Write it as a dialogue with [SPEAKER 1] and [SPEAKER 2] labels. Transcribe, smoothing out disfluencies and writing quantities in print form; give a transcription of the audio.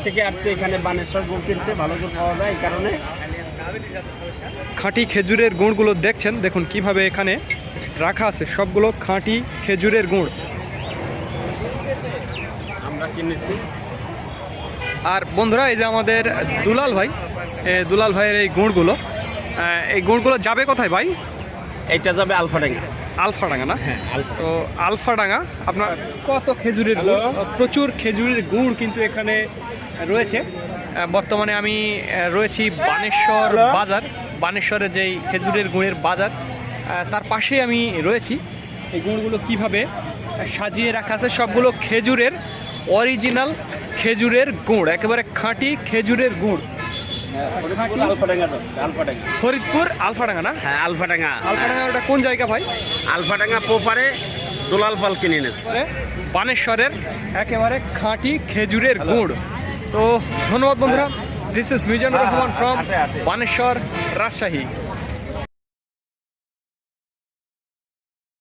[SPEAKER 1] থেকে আসছে এখানে বানেশ্বর গুড় কিনতে, ভালো গুড় পাওয়া যায় এই কারণে।
[SPEAKER 2] খাঁটি খেজুরের গুড়গুলো দেখছেন, দেখুন কিভাবে এখানে রাখা আছে, সবগুলো খাঁটি খেজুরের গুড়
[SPEAKER 1] আমরা কিনেছি।
[SPEAKER 2] আর বন্ধুরা এই যে আমাদের দুলাল ভাই, দুলাল ভাইয়ের এই গুড়গুলো যাবে কোথায় ভাই?
[SPEAKER 1] এইটা যাবে আলফাডাঙ্গা।
[SPEAKER 2] আলফাডাঙ্গা না?
[SPEAKER 1] হ্যাঁ,
[SPEAKER 2] তো আলফাডাঙ্গা আপনার কত খেজুরের গুড়, প্রচুর খেজুরের গুড় কিন্তু এখানে রয়েছে। বর্তমানে আমি রয়েছি বানেশ্বর বাজার, বানেশ্বরে যেই খেজুরের গুড়ের বাজার তার পাশেই আমি রয়েছি। এই গুড়গুলো কিভাবে সাজিয়ে রাখা আছে, সবগুলো খেজুরের অরিজিনাল খেজুরের গুড়, একেবারে খাঁটি খেজুরের গুড়।
[SPEAKER 1] আলফাডাঙ্গা যাচ্ছে, আলফাডাঙ্গা,
[SPEAKER 2] ফরিদপুর আলফাডাঙ্গা না?
[SPEAKER 1] হ্যাঁ আলফাডাঙ্গা।
[SPEAKER 2] আলফাডাঙ্গা ওটা কোন জায়গা ভাই?
[SPEAKER 1] আলফাডাঙ্গা পোপারে দুলাল পাল কিনে এনেছে।
[SPEAKER 2] বানেশ্বরের একেবারে খাঁটি খেজুরের গুড়। তো ধন্যবাদ বন্ধুরা, this is Mizanur Rahman from Baneshwar, Rajshahi.